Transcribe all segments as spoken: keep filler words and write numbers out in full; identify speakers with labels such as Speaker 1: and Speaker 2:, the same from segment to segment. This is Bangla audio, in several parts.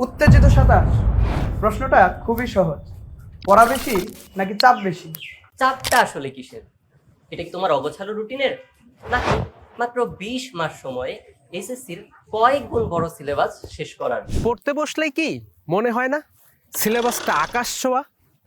Speaker 1: উত্তেজিত সাতাশ। প্রশ্নটা খুবই সহজ। পড়া বেশি নাকি চাপ বেশি?
Speaker 2: চাপটা আসলে কিসের? এটা কি তোমার অগোছালো রুটিনের, নাকি মাত্র বিশ মাস সময়ে এসএসসির কয়েক গুণ বড় সিলেবাস শেষ করার?
Speaker 3: পড়তে বসলেই কি মনে হয় না সিলেবাসটা আকাশ ছোঁয়া?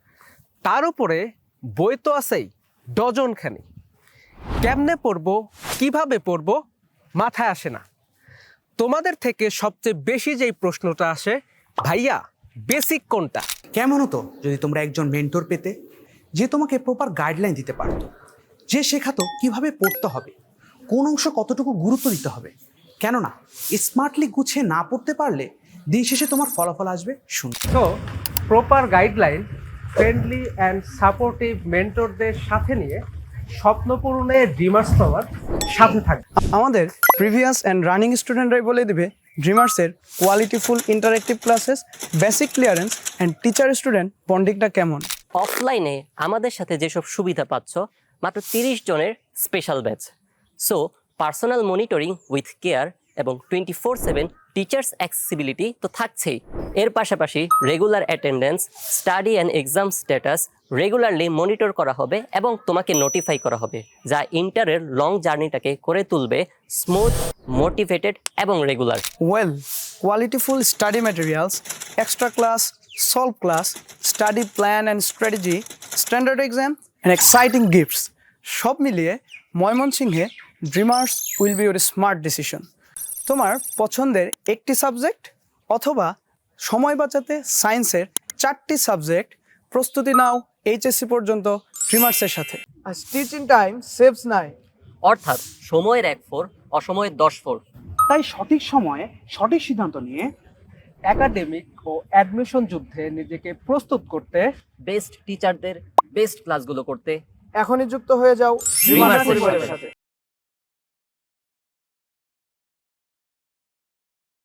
Speaker 3: তার উপরে বই তো আছেই ডজনখানি। কেমনে পড়বো, কিভাবে পড়বো মাথায় আসে না। তোমাদের থেকে সবচেয়ে বেশি যেই প্রশ্নটা আসে, ভাইয়া বেসিক কোনটা?
Speaker 4: কেমন হতো যদি তোমরা একজন মেন্টর পেতে, যে তোমাকে প্রপার গাইডলাইন দিতে পারতো, যে শেখাতো কিভাবে পড়তে হবে, কোন অংশ কতটুকু গুরুত্ব দিতে হবে। কেননা স্মার্টলি গুছিয়ে না পড়তে পারলে দিন শেষে তোমার ফলাফল আসবে শূন্য।
Speaker 3: তো proper guideline, friendly and supportive মেন্টরদের সাথে নিয়ে স্বপ্ন পূরণে ড্রিমার্স পাওয়ার সাথে থাকবে।
Speaker 1: আমাদের প্রিভিয়াস অ্যান্ড রানিং স্টুডেন্টরাই বলে দিবে ড্রিমার্সের qualityful interactive classes, basic clearance and teacher student বন্ডিংটা কেমন।
Speaker 2: অফলাইনে আমাদের সাথে যেসব সুবিধা পাচ্ছ, মাত্র তিরিশ জনের special batch. So personal monitoring with care এবং twenty four seven teachers accessibility তো থাকছেই। এর পাশাপাশি regular attendance, study and exam status regularly monitor করা হবে এবং তোমাকে নোটিফাই করা হবে, যা ইন্টারের লং জার্নিটাকে করে তুলবে স্মুথ, মোটিভেটেড এবং regular.
Speaker 1: Well, qualityful study materials, extra class, solve class, study plan and strategy, standard exam and exciting gifts, সব মিলিয়ে ময়মনসিংহে Dreamers will be your smart decision. তোমার পছন্দের একটি সাবজেক্ট অথবা সময় বাঁচাতে সায়েন্সের চারটি সাবজেক্ট প্রস্তুতি নাও এইচএসসি পর্যন্ত ড্রিমার্সের সাথে। আর টিচিং টাইম সেভস নাই।
Speaker 2: অর্থাৎ সময়ের এক ফোর, অসময়ের দশ ফোর।
Speaker 4: তাই সঠিক সময়ে সঠিক সিদ্ধান্ত নিয়ে
Speaker 3: একাডেমিক ও অ্যাডমিশন যুদ্ধে নিজেকে প্রস্তুত করতে,
Speaker 2: বেস্ট টিচারদের বেস্ট ক্লাসগুলো করতে
Speaker 1: এখনই যুক্ত হয়ে যাও
Speaker 2: ড্রিমার্স
Speaker 1: পরিবারের
Speaker 2: পরিবারের
Speaker 1: সাথে।